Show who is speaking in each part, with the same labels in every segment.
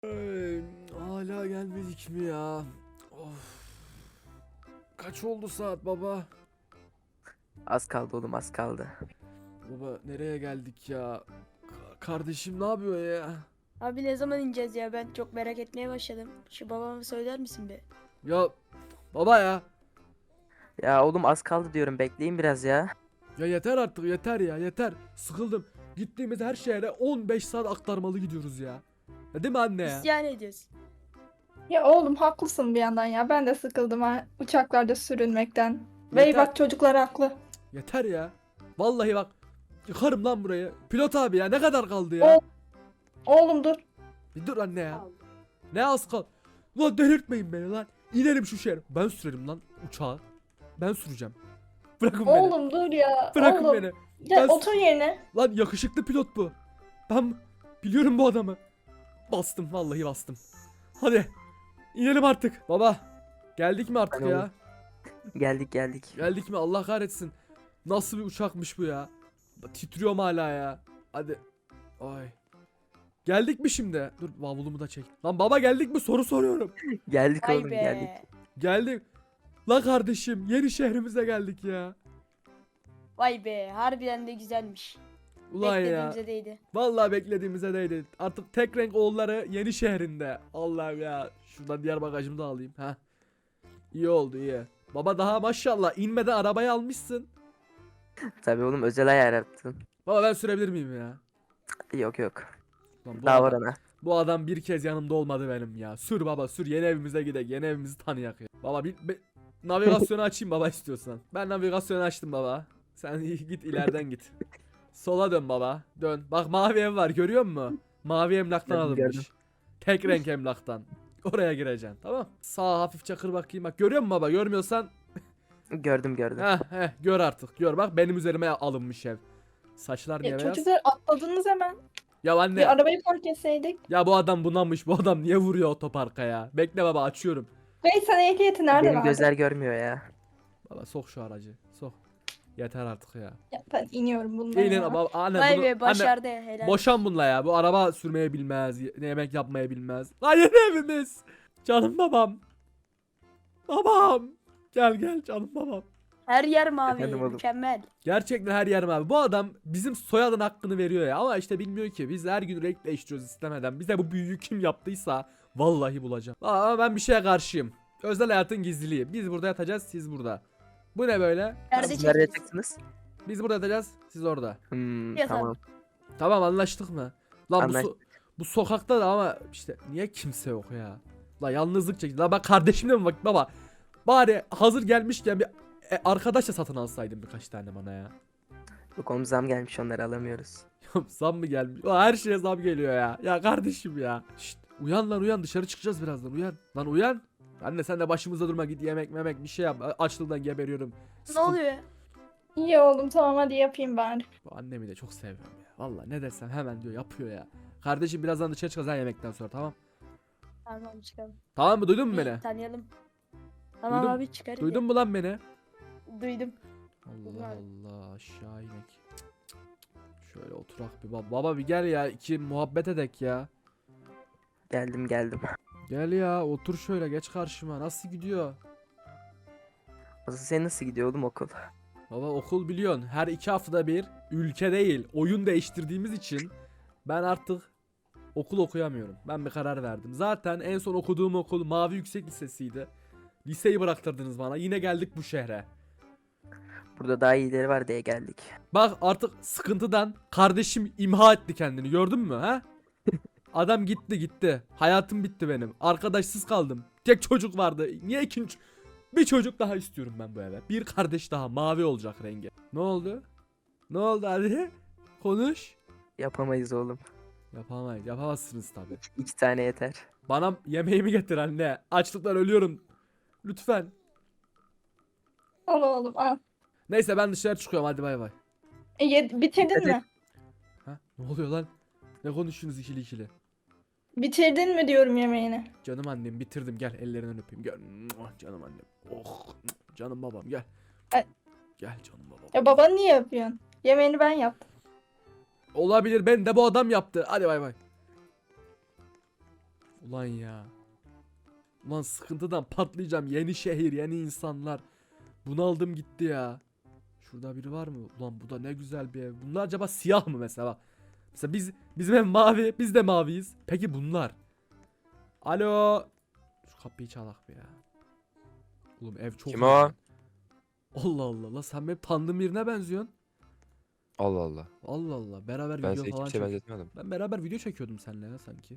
Speaker 1: Ay, hala gelmedik mi ya? Of. Kaç oldu saat baba?
Speaker 2: Az kaldı oğlum, az kaldı.
Speaker 1: Baba nereye geldik ya? Kardeşim ne yapıyor ya?
Speaker 3: Abi ne zaman ineceğiz ya? Ben çok merak etmeye başladım. Şu babama söyler misin be?
Speaker 1: Ya baba ya.
Speaker 2: Ya oğlum az kaldı diyorum, bekleyin biraz ya.
Speaker 1: Ya yeter artık yeter ya yeter. Sıkıldım. Gittiğimiz her şehre 15 saat aktarmalı gidiyoruz ya. Ya değil mi anne ya?
Speaker 3: İsyan ediyoruz.
Speaker 4: Ya oğlum haklısın bir yandan ya. Ben de sıkıldım ha uçaklarda sürünmekten. Bey
Speaker 1: Yeter.
Speaker 4: bak çocuklar haklı.
Speaker 1: Yeter ya. Vallahi bak. Yıkarım lan burayı. Pilot abi ya ne kadar kaldı ya?
Speaker 4: Oğlum dur.
Speaker 1: Bir dur anne ya. Ne az kal. Ulan delirtmeyin beni lan. İnelim şu şehre. Ben sürerim lan uçağı. Ben süreceğim. Bırakın beni.
Speaker 4: Oğlum dur ya.
Speaker 1: Bırakın
Speaker 4: oğlum.
Speaker 1: beni.
Speaker 4: Gel
Speaker 1: Ben-
Speaker 4: otur yerine.
Speaker 1: Lan yakışıklı pilot bu. Ben biliyorum bu adamı. Bastım vallahi bastım. Hadi. İnelim artık. Baba. Geldik mi artık
Speaker 2: Ben
Speaker 1: ya?
Speaker 2: oğlum. Geldik.
Speaker 1: Geldik mi? Allah kahretsin. Nasıl bir uçakmış bu ya? Titriyorum hala ya. Hadi. Ay. Geldik mi şimdi? Dur bavulumu da çek. Lan baba geldik mi? Soru soruyorum.
Speaker 2: Geldik
Speaker 3: Vay
Speaker 2: oğlum,
Speaker 3: be.
Speaker 2: geldik.
Speaker 1: Geldik. La kardeşim yeni şehrimize geldik ya.
Speaker 3: Vay be. Harbiden de güzelmiş.
Speaker 1: Ulan ya.
Speaker 3: Beklediğimize değdi.
Speaker 1: Vallahi beklediğimize değdi. Artık tek renk oğulları yeni şehrinde. Allah'ım ya. Şuradan diğer bagajımı da alayım. Ha. İyi oldu iyi. Baba daha maşallah inmeden arabayı almışsın.
Speaker 2: Tabii oğlum, özel ayar yaptın.
Speaker 1: Baba ben sürebilir miyim ya?
Speaker 2: Yok.
Speaker 1: Lan
Speaker 2: Daha var ana.
Speaker 1: bu adam bir kez yanımda olmadı benim ya. Sür baba sür yeni evimize gidelim. Yeni evimizi tanıyak ya. Baba navigasyonu açayım baba istiyorsan. Ben navigasyonu açtım baba. Sen git ileriden git. Sola dön baba. Dön. Bak mavi ev var görüyor musun? Mavi emlaktan
Speaker 2: Gördüm,
Speaker 1: alınmış.
Speaker 2: gördüm.
Speaker 1: Tek renk emlaktan. Oraya gireceksin tamam. Sağa hafifçe kır bakayım bak. Görüyor musun baba? Görmüyorsan
Speaker 2: Gördüm.
Speaker 1: gör artık. Gör bak benim üzerime alınmış ev. Saçlar niye
Speaker 4: Ya
Speaker 1: beyaz?
Speaker 4: çocuklar atladınız hemen.
Speaker 1: Ya anne.
Speaker 4: Bir arabayı park etseydik.
Speaker 1: Ya bu adam bunamış. Bu adam niye vuruyor otoparka ya? Bekle baba açıyorum.
Speaker 4: Bey sen ehliyeti nerede
Speaker 2: Benim
Speaker 4: verdin?
Speaker 2: gözler görmüyor ya.
Speaker 1: Baba sok şu aracı. Sok. Yeter artık ya.
Speaker 4: Ya ben iniyorum bundan
Speaker 1: İnin
Speaker 4: ya.
Speaker 1: baba anne
Speaker 3: Vay
Speaker 1: bunu
Speaker 3: be
Speaker 1: anne
Speaker 3: başardı. Helal.
Speaker 1: boşan bununla ya. Bu araba sürmeye bilmez. Yemek yapmayı bilmez. Lan yeni evimiz. Canım babam. Babam. Gel canım babam.
Speaker 3: Her yer mavi.
Speaker 2: Efendim oğlum.
Speaker 3: Mükemmel.
Speaker 1: Gerçekten her yerim abi. Bu adam bizim soyadın hakkını veriyor ya. Ama işte bilmiyor ki. Biz her gün renk değiştiriyoruz istemeden. Bize bu büyüyü kim yaptıysa vallahi bulacağım. Ama ben bir şeye karşıyım. Özel hayatın gizliliği. Biz burada yatacağız, siz burada. Bu ne böyle?
Speaker 3: Nerede
Speaker 2: Siz nereye
Speaker 3: çekeriz?
Speaker 2: çıktınız?
Speaker 1: Biz burada yatacağız, siz orada.
Speaker 3: Yatalım.
Speaker 2: Tamam.
Speaker 1: Tamam anlaştık mı? Lan
Speaker 2: Anlaştık.
Speaker 1: bu sokakta da ama işte niye kimse yok ya? La yalnızlık çekti. La bak kardeşimle mi bak baba? Bari hazır gelmişken bir arkadaş da satın alsaydım birkaç tane bana ya.
Speaker 2: Yok oğlum, zam gelmiş, onları alamıyoruz.
Speaker 1: Zam mı gelmiş? Ulan her şeye zam geliyor ya. Ya kardeşim ya. Şşt, uyan lan uyan dışarı çıkacağız birazdan uyan. Lan uyan. Anne sen de başımızda durma git yemek memek bir şey yap. Açlıktan geberiyorum.
Speaker 3: Ne oluyor?
Speaker 4: İyi oğlum tamam hadi yapayım bari.
Speaker 1: Bu annemi de çok seviyorum ya. Valla ne desem hemen diyor yapıyor ya. Kardeşim birazdan dışarı çıkacağız ha yemekten sonra tamam.
Speaker 3: Tamam çıkalım.
Speaker 1: Tamam mı duydun mu
Speaker 3: Bir
Speaker 1: beni?
Speaker 3: tanıyalım. Tamam
Speaker 1: Duydun-
Speaker 3: abi çıkarız.
Speaker 1: Duydun mu lan beni?
Speaker 3: Duydum.
Speaker 1: Allah Allah aşağı inek. Şöyle oturak bir baba bir gel ya iki muhabbet edek ya.
Speaker 2: Geldim.
Speaker 1: Gel ya otur şöyle geç karşıma nasıl gidiyor?
Speaker 2: Asıl senin nasıl gidiyor oğlum okul?
Speaker 1: Baba okul biliyorsun her 2 haftada bir ülke değil oyun değiştirdiğimiz için ben artık okul okuyamıyorum. Ben bir karar verdim. Zaten en son okuduğum okul Mavi Yüksek Lisesi'ydi. Liseyi bıraktırdınız bana yine geldik bu şehre.
Speaker 2: Burada daha iyileri var diye geldik.
Speaker 1: Bak artık sıkıntıdan kardeşim imha etti kendini gördün mü ha? Adam gitti. Hayatım bitti benim. Arkadaşsız kaldım. Tek çocuk vardı. Niye ikinci? Bir çocuk daha istiyorum ben bu eve. Bir kardeş daha mavi olacak rengi. Ne oldu? Ne oldu hadi? Konuş.
Speaker 2: Yapamayız oğlum.
Speaker 1: Yapamayız. Yapamazsınız tabi.
Speaker 2: 2 tane yeter.
Speaker 1: Bana yemeğimi getir anne. Açlıktan ölüyorum. Lütfen.
Speaker 4: Al oğlum al.
Speaker 1: Neyse ben dışarı çıkıyorum hadi bay bay.
Speaker 4: Bitirdin
Speaker 2: Hadi.
Speaker 4: mi?
Speaker 1: Ha? Ne oluyor lan? Ne konuşuyorsunuz ikili?
Speaker 4: Bitirdin mi diyorum yemeğini.
Speaker 1: Canım annem bitirdim gel ellerinden öpeyim gel. Muah, canım annem. Oh canım babam gel.
Speaker 4: Ay.
Speaker 1: Gel canım babam.
Speaker 4: Ya babanı niye yapıyorsun? Yemeğini ben yaptım.
Speaker 1: Olabilir ben de bu adam yaptı. Hadi bay bay. Ulan ya. Ulan sıkıntıdan patlayacağım. Yeni şehir, yeni insanlar. Bunaldım gitti ya. Şurada biri var mı? Ulan bu da ne güzel bir ev. Bunlar acaba siyah mı mesela? Bak. Mesela bizim ev mavi, biz de maviyiz. Peki bunlar? Alo. Şu kapıyı çalak be ya. Oğlum ev çok
Speaker 5: Kim
Speaker 1: iyi
Speaker 5: o?
Speaker 1: lan. Allah Allah. La sen benim tanıdığım birine benziyorsun.
Speaker 5: Allah Allah.
Speaker 1: Allah Allah. Beraber
Speaker 5: Ben
Speaker 1: video
Speaker 5: seni
Speaker 1: falan
Speaker 5: kimseye
Speaker 1: çek.
Speaker 5: benzetmedim.
Speaker 1: Ben beraber video çekiyordum seninle ya sanki.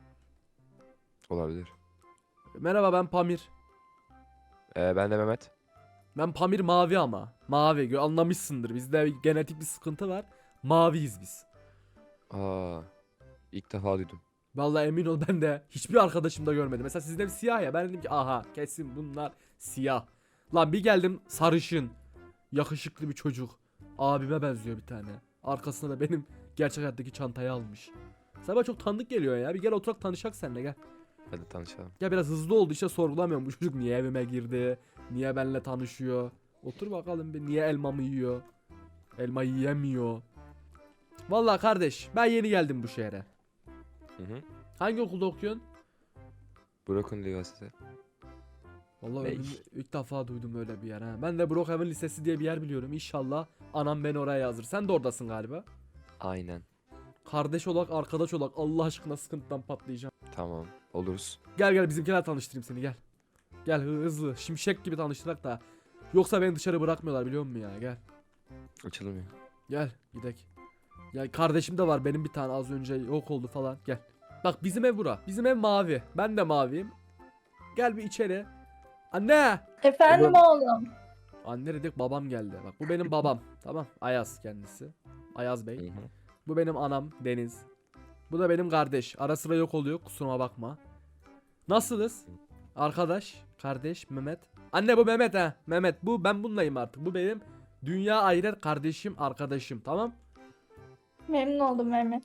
Speaker 5: Olabilir.
Speaker 1: Merhaba ben Pamir.
Speaker 5: Ben de Mehmet.
Speaker 1: Ben Pamir mavi ama. Mavi. Anlamışsındır. Bizde genetik bir sıkıntı var. Maviyiz biz.
Speaker 5: Aa, ilk defa duydum.
Speaker 1: Vallahi emin ol ben de hiçbir arkadaşım da görmedim. Mesela sizde bir siyah ya. Ben dedim ki aha kesin bunlar siyah. Lan bir geldim sarışın. Yakışıklı bir çocuk. Abime benziyor bir tane. Arkasına da benim gerçek hayattaki çantayı almış. Sana bana çok tanıdık geliyor ya. Bir gel oturak tanışak seninle gel.
Speaker 5: Hadi tanışalım.
Speaker 1: Ya biraz hızlı oldu işte sorgulamıyorum. Bu çocuk niye evime girdi? Niye benimle tanışıyor? Otur bakalım bir niye elmamı yiyor? Elma yiyemiyor. Vallahi kardeş ben yeni geldim bu şehre.
Speaker 5: Hı hı.
Speaker 1: Hangi okulda okuyorsun?
Speaker 5: Brookhaven Üniversitesi.
Speaker 1: Vallahi
Speaker 5: Bey.
Speaker 1: ilk defa duydum öyle bir yer ha. Ben de Brookhaven Lisesi diye bir yer biliyorum. İnşallah anam beni oraya yazır. Sen de oradasın galiba.
Speaker 5: Aynen.
Speaker 1: Kardeş olarak, arkadaş olarak Allah aşkına sıkıntıdan patlayacağım.
Speaker 5: Tamam. Oluruz.
Speaker 1: Gel gel bizimkiler tanıştırayım seni gel. Gel hızlı şimşek gibi tanıştırak da. Yoksa beni dışarı bırakmıyorlar biliyor musun ya gel.
Speaker 5: Açılmıyor.
Speaker 1: Gel gidek. Ya kardeşim de var benim bir tane az önce yok oldu falan gel. Bak bizim ev bura. Bizim ev mavi. Ben de maviyim. Gel bir içeri. Anne.
Speaker 4: Efendim oğlum.
Speaker 1: Anne dedik babam geldi. Bak bu benim babam. Tamam. Ayaz kendisi. Ayaz
Speaker 5: Hı
Speaker 1: Bey.
Speaker 5: hı.
Speaker 1: Bu benim anam Deniz. Bu da benim kardeş. Ara sıra yok oluyor kusuruma bakma. Nasılız? Arkadaş, kardeş, Mehmet. Anne bu Mehmet ha. Mehmet bu ben bunlayım artık. Bu benim dünya ayrı kardeşim, arkadaşım. Tamam?
Speaker 4: Memnun oldum Mehmet.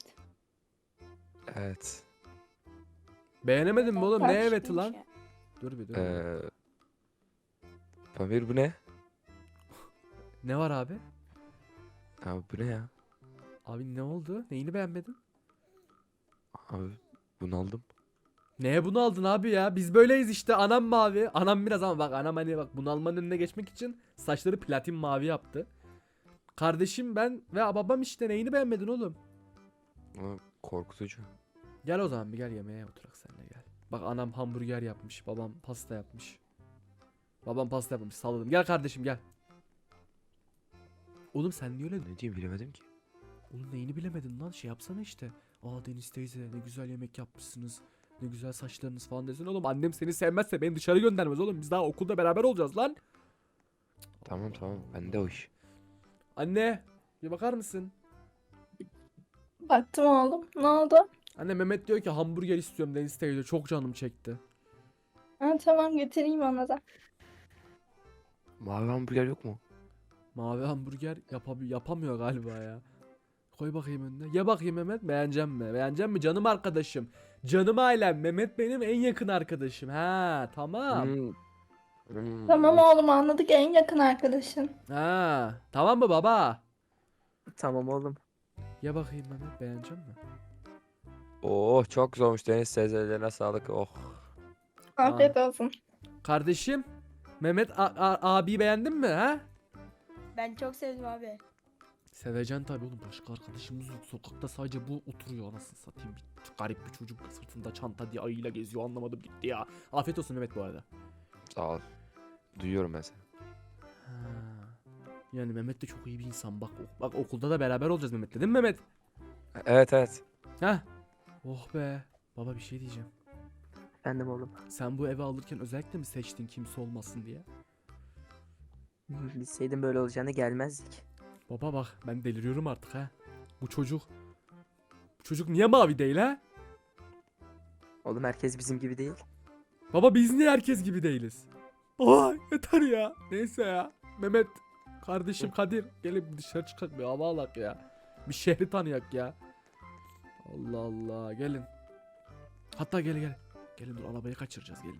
Speaker 5: Evet.
Speaker 1: Beğenemedin mi oğlum? Ne
Speaker 4: Kardeşim
Speaker 1: eveti lan?
Speaker 3: Ya.
Speaker 1: Dur bir dur.
Speaker 5: Pamir bu ne?
Speaker 1: Ne var abi?
Speaker 5: Abi bu ne ya?
Speaker 1: Abi ne oldu? Neyini beğenmedin?
Speaker 5: Abi bunu aldım.
Speaker 1: Neye bunu aldın abi ya? Biz böyleyiz işte. Anam mavi. Anam biraz ama bak anam hani bak bunalmanın önüne geçmek için saçları platin mavi yaptı. Kardeşim ben ve babam işte neyini beğenmedin oğlum?
Speaker 5: Ama korkutucu.
Speaker 1: Gel o zaman bir gel yemeğe oturak seninle gel. Bak anam hamburger yapmış. Babam pasta yapmış. Babam pasta yapmış. Salladım. Gel kardeşim gel. Oğlum sen niye öyle?
Speaker 5: Ne diyeyim bilemedim ki.
Speaker 1: Oğlum neyini bilemedin lan? Şey yapsana işte. Aa Deniz teyze ne güzel yemek yapmışsınız. Ne güzel saçlarınız falan desin oğlum. Annem seni sevmezse beni dışarı göndermez oğlum. Biz daha okulda beraber olacağız lan.
Speaker 5: Tamam tamam. Bende o iş.
Speaker 1: Anne bir bakar mısın?
Speaker 4: Baktım oğlum. Ne oldu?
Speaker 1: Anne Mehmet diyor ki hamburger istiyorum Deniz teyze. Çok canım çekti.
Speaker 4: Ha, tamam getireyim ona da.
Speaker 5: Mavi hamburger yok mu?
Speaker 1: Mavi hamburger yapamıyor galiba ya. Koy bakayım önüne. Ye bakayım Mehmet. Beğenecek mi? Beğenecek mi canım arkadaşım? Canım ailem. Mehmet benim en yakın arkadaşım. Ha tamam.
Speaker 5: Hmm. Hmm.
Speaker 4: Tamam oğlum anladık en yakın arkadaşın.
Speaker 1: Ha tamam mı baba?
Speaker 2: Tamam oğlum.
Speaker 1: Ye bakayım Mehmet. Beğenecek mi?
Speaker 5: Oh çok güzel olmuş Deniz teyzelerine sağlık. Oh.
Speaker 4: Afiyet olsun.
Speaker 1: Kardeşim. Mehmet abi beğendin mi ha?
Speaker 3: Ben çok sevdim abi.
Speaker 1: Seveceksin tabii oğlum. Başka arkadaşımız yok. Sokakta sadece bu oturuyor anasını satayım. Bir garip bir çocuk sırtında çanta diye ayıyla geziyor. Anlamadım gitti ya. Afiyet olsun Mehmet bu arada.
Speaker 5: Sağ ol. Duyuyorum ben seni.
Speaker 1: Ha. Yani Mehmet de çok iyi bir insan. Bak okulda da beraber olacağız Mehmet'le değil mi Mehmet?
Speaker 5: Evet evet.
Speaker 1: Ha? Oh be. Baba bir şey diyeceğim.
Speaker 2: Efendim oğlum.
Speaker 1: Sen bu evi alırken özellikle mi seçtin kimse olmasın diye?
Speaker 2: Bilseydim böyle olacağını gelmezdik.
Speaker 1: Baba bak ben deliriyorum artık ha. Bu çocuk niye mavi değil ha?
Speaker 2: Oğlum herkes bizim gibi değil.
Speaker 1: Baba biz niye herkes gibi değiliz? Oha yeter ya. Neyse ya. Mehmet kardeşim Kadir gelin dışarı çıkak bir hava alak ya. Bir şehri tanıyak ya. Allah Allah gelin. Hatta gel. Gelin dur arabayı kaçıracağız gelin.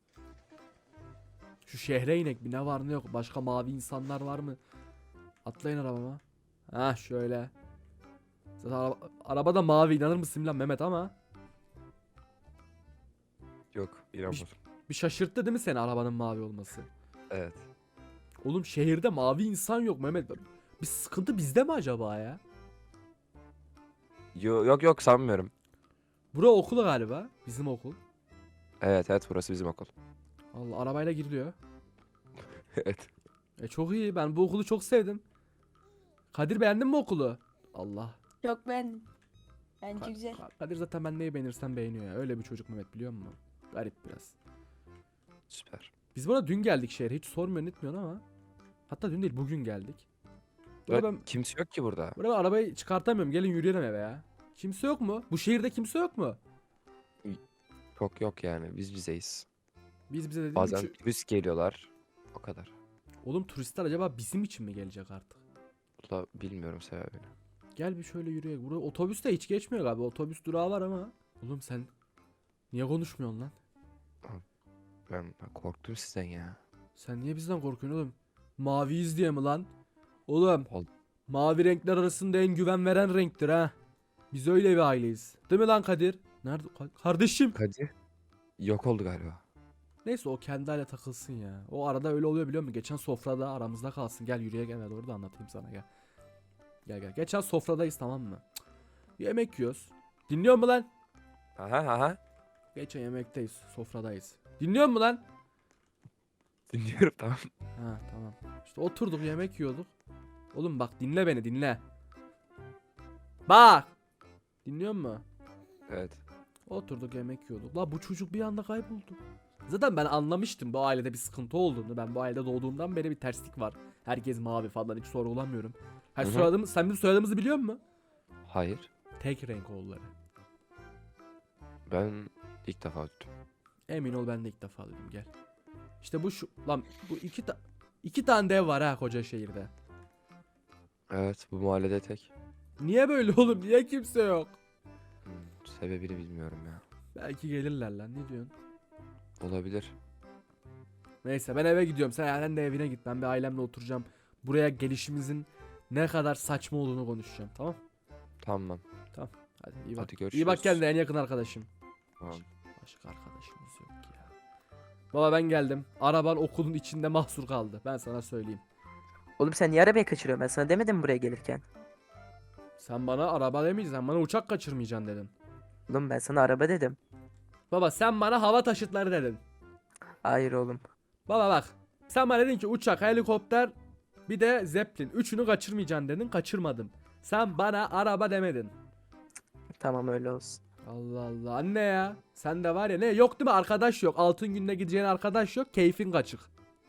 Speaker 1: Şu şehre inek bir ne var ne yok. Başka mavi insanlar var mı? Atlayın arabama. Ha şöyle. Zaten araba da mavi inanır mısın lan Mehmet ama.
Speaker 5: Yok inanmadım.
Speaker 1: Bir şaşırttı değil mi seni arabanın mavi olması?
Speaker 5: Evet.
Speaker 1: Oğlum şehirde mavi insan yok Mehmet. Bir sıkıntı bizde mi acaba ya?
Speaker 5: Yok sanmıyorum.
Speaker 1: Bura okul galiba. Bizim okul.
Speaker 5: Evet burası bizim okul.
Speaker 1: Allah, arabayla giriliyor.
Speaker 5: Evet.
Speaker 1: Çok iyi. Ben bu okulu çok sevdim. Kadir, beğendin mi okulu? Allah.
Speaker 3: Çok beğendim. Bence güzel.
Speaker 1: Kadir zaten ben neyi beğenirsem beğeniyor ya. Öyle bir çocuk Mehmet, biliyor musun? Garip biraz.
Speaker 5: Süper.
Speaker 1: Biz buna dün geldik şehre. Hiç sormuyorsun etmiyorsun ama. Hatta dün değil, bugün geldik. Buraya ben,
Speaker 5: Kimse yok ki burada.
Speaker 1: buraya ben arabayı çıkartamıyorum. Gelin yürüyelim eve ya. Kimse yok mu? Bu şehirde kimse yok mu?
Speaker 5: Çok yok yani biz bizeyiz.
Speaker 1: Biz bize dedik.
Speaker 5: Bazen turist geliyorlar. O kadar.
Speaker 1: Oğlum turistler acaba bizim için mi gelecek artık?
Speaker 5: Da bilmiyorum sebebini.
Speaker 1: Gel bir şöyle yürüyelim. Buraya otobüs de hiç geçmiyor galiba. Otobüs durağı var ama. Oğlum sen niye konuşmuyorsun lan?
Speaker 5: Ben korktum sizden ya.
Speaker 1: Sen niye bizden korkuyorsun oğlum? Maviyiz diye mi lan? Oğlum
Speaker 5: Ol-
Speaker 1: mavi renkler arasında en güven veren renktir ha. Biz öyle bir aileyiz. Değil mi lan Kadir? Nerede? Kardeşim.
Speaker 5: Kadir yok oldu galiba.
Speaker 1: Neyse o kendi hale takılsın ya. O arada öyle oluyor biliyor musun? Geçen sofrada aramızda kalsın. Gel yürüye gel, doğru da anlatayım sana gel. Gel. Geçen sofradayız, tamam mı? Cık. Yemek yiyoruz. Dinliyor mu lan?
Speaker 5: Aha.
Speaker 1: Geçen yemekteyiz. Sofradayız. Dinliyor mu lan?
Speaker 5: Dinliyorum tamam.
Speaker 1: Ha tamam. İşte oturduk yemek yiyorduk. Oğlum bak, dinle beni, dinle. Bak. Dinliyor musun?
Speaker 5: Evet.
Speaker 1: Oturduk yemek yiyorduk. La bu çocuk bir anda kayboldu. Zaten ben anlamıştım bu ailede bir sıkıntı olduğunu. Ben bu ailede doğduğumdan beri bir terslik var. Herkes mavi falan, hiç sorgulamıyorum. Ha,
Speaker 5: Hı hı.
Speaker 1: soyadımız, sen bizim soyadımızı biliyor musun?
Speaker 5: Hayır.
Speaker 1: Tek renk oğulları.
Speaker 5: Ben ilk defa duydum.
Speaker 1: Emin ol, ben de ilk defa duydum, gel. İşte bu lan bu iki tane dev var ha koca şehirde.
Speaker 5: Evet bu mahallede tek.
Speaker 1: Niye böyle oğlum? Niye kimse yok?
Speaker 5: Sebebini bilmiyorum ya.
Speaker 1: Belki gelirler lan, ne diyorsun?
Speaker 5: Olabilir.
Speaker 1: Neyse ben eve gidiyorum. Sen de evine git. Ben bir ailemle oturacağım. Buraya gelişimizin ne kadar saçma olduğunu konuşacağım. Tamam?
Speaker 5: Tamam.
Speaker 1: Hadi iyi bak.
Speaker 5: Hadi görüşürüz.
Speaker 1: İyi bak kendine, en yakın arkadaşım.
Speaker 5: Tamam.
Speaker 1: Başka arkadaşımız yok ki ya. Baba ben geldim. Araban okulun içinde mahsur kaldı. Ben sana söyleyeyim.
Speaker 2: Oğlum sen niye arabayı kaçırıyorsun? Ben sana demedim mi buraya gelirken?
Speaker 1: Sen bana araba demeyeceksin. Sen bana uçak kaçırmayacaksın dedin.
Speaker 2: Oğlum ben sana araba dedim.
Speaker 1: Baba sen bana hava taşıtları dedin.
Speaker 2: Hayır oğlum.
Speaker 1: Baba bak. Sen bana dedin ki uçak, helikopter, bir de zeplin. Üçünü kaçırmayacaksın dedin. Kaçırmadım. Sen bana araba demedin.
Speaker 2: Tamam öyle olsun.
Speaker 1: Allah Allah anne ya. Sen de var ya, ne yok değil mi, arkadaş yok. Altın gününe gideceğin arkadaş yok. Keyfin kaçık.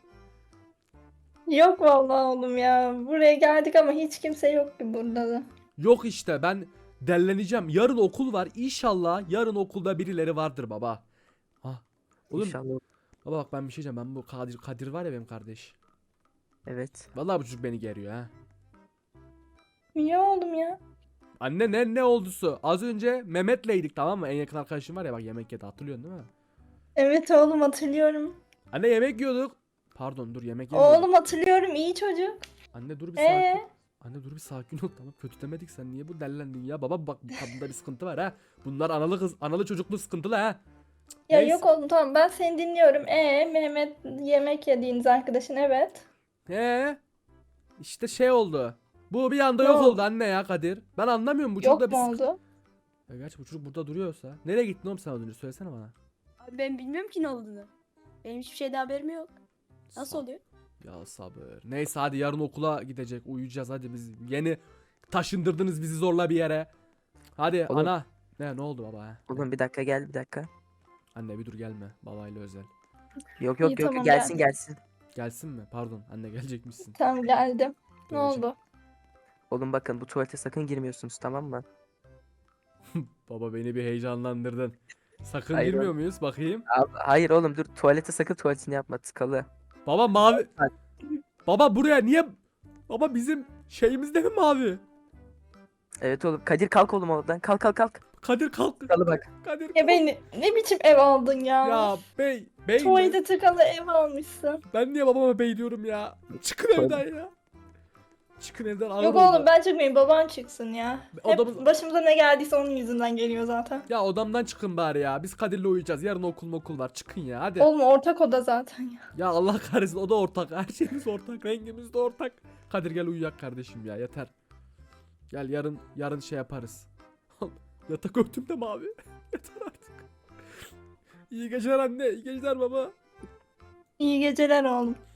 Speaker 4: Yok vallahi oğlum ya. Buraya geldik ama hiç kimse yok ki burada da.
Speaker 1: Yok işte, ben delleneceğim. Yarın okul var. İnşallah yarın okulda birileri vardır baba. Ha. Oğlum
Speaker 2: İnşallah.
Speaker 1: baba bak, ben bir şey diyeceğim. Ben bu Kadir var ya, benim kardeş.
Speaker 2: Evet.
Speaker 1: Vallahi bu çocuk beni geriyor ha.
Speaker 4: Niye oğlum ya?
Speaker 1: Anne ne oldusu? Az önce Mehmet'leydik, tamam mı? En yakın arkadaşım var ya, bak yemek yedi, hatırlıyorsun değil mi?
Speaker 4: Evet oğlum hatırlıyorum.
Speaker 1: Anne yemek yiyorduk. Pardon dur, yemek yemiyorduk.
Speaker 4: Oğlum hatırlıyorum, iyi çocuk.
Speaker 1: Anne dur bir sakin.
Speaker 4: Ee?
Speaker 1: Anne dur bir sakin ol, tamam, kötü demedik, sen niye bu dellendin ya? Baba bak, bu kadında bir sıkıntı var ha. Bunlar analı çocuklu sıkıntılı ha.
Speaker 4: Ya
Speaker 1: Neyse.
Speaker 4: yok oğlum tamam ben seni dinliyorum. Mehmet yemek yediğiniz arkadaşın evet.
Speaker 1: İşte şey oldu. Bu bir anda
Speaker 4: Ne
Speaker 1: yok
Speaker 4: oldu?
Speaker 1: oldu anne ya, Kadir. Ben anlamıyorum, bu çocukta
Speaker 4: Yok
Speaker 1: bir
Speaker 4: mu oldu?
Speaker 1: Ya gerçi bu çocuk burada duruyorsa. Nereye gittin oğlum sen az önce, söylesene bana.
Speaker 3: Abi ben bilmiyorum ki ne olduğunu. Benim hiçbir şeyden haberim yok. Nasıl oluyor?
Speaker 1: Ya sabır. Neyse hadi, yarın okula gidecek, uyuyacağız hadi, biz yeni taşındırdınız bizi zorla bir yere. Hadi
Speaker 2: Oğlum.
Speaker 1: ana. Ne oldu baba ha?
Speaker 2: Oğlum bir dakika gel bir dakika.
Speaker 1: Anne bir dur, gelme, babayla özel.
Speaker 2: Yok
Speaker 4: İyi,
Speaker 2: yok yok
Speaker 4: tamam,
Speaker 2: gelsin
Speaker 4: geldim.
Speaker 2: gelsin.
Speaker 1: Gelsin mi? Pardon anne, gelecekmişsin.
Speaker 4: Tamam geldim. Ne
Speaker 1: Göreceğim.
Speaker 4: oldu?
Speaker 2: Oğlum bakın bu tuvalete sakın girmiyorsunuz tamam mı?
Speaker 1: Baba beni bir heyecanlandırdın. Sakın
Speaker 2: Hayır
Speaker 1: girmiyor muyuz bakayım?
Speaker 2: Hayır oğlum dur tuvalete sakın tuvaletini yapma tıkalı.
Speaker 1: Baba mavi. Baba buraya niye? Baba bizim şeyimizde mi mavi?
Speaker 2: Evet oğlum Kadir kalk oğlum oradan kalk.
Speaker 1: Kadir kalk.
Speaker 2: Tıkalı bak.
Speaker 1: Kadir
Speaker 4: Ya
Speaker 1: kalk.
Speaker 4: beni ne biçim ev aldın ya?
Speaker 1: Ya bey mi?
Speaker 4: Tuvalete tıkalı ev almışsın.
Speaker 1: Ben niye babama bey diyorum ya? Çıkın
Speaker 2: Tuvalet.
Speaker 1: evden ya. Çıkın evden ağır
Speaker 4: Yok
Speaker 1: oldu.
Speaker 4: oğlum ben çıkmayayım, baban çıksın ya. Hep
Speaker 1: Odamız-
Speaker 4: başımıza ne geldiyse onun yüzünden geliyor zaten.
Speaker 1: Ya odamdan çıkın bari ya. Biz Kadir'le uyuyacağız. Yarın okul var. Çıkın ya hadi.
Speaker 4: Oğlum ortak oda zaten ya.
Speaker 1: Ya Allah kahretsin o da ortak. Her şeyimiz ortak. Rengimiz de ortak. Kadir gel uyuyak kardeşim ya yeter. Gel yarın şey yaparız. Yatak örtüm de mavi. Yeter artık. İyi geceler anne. İyi geceler baba.
Speaker 4: İyi geceler oğlum.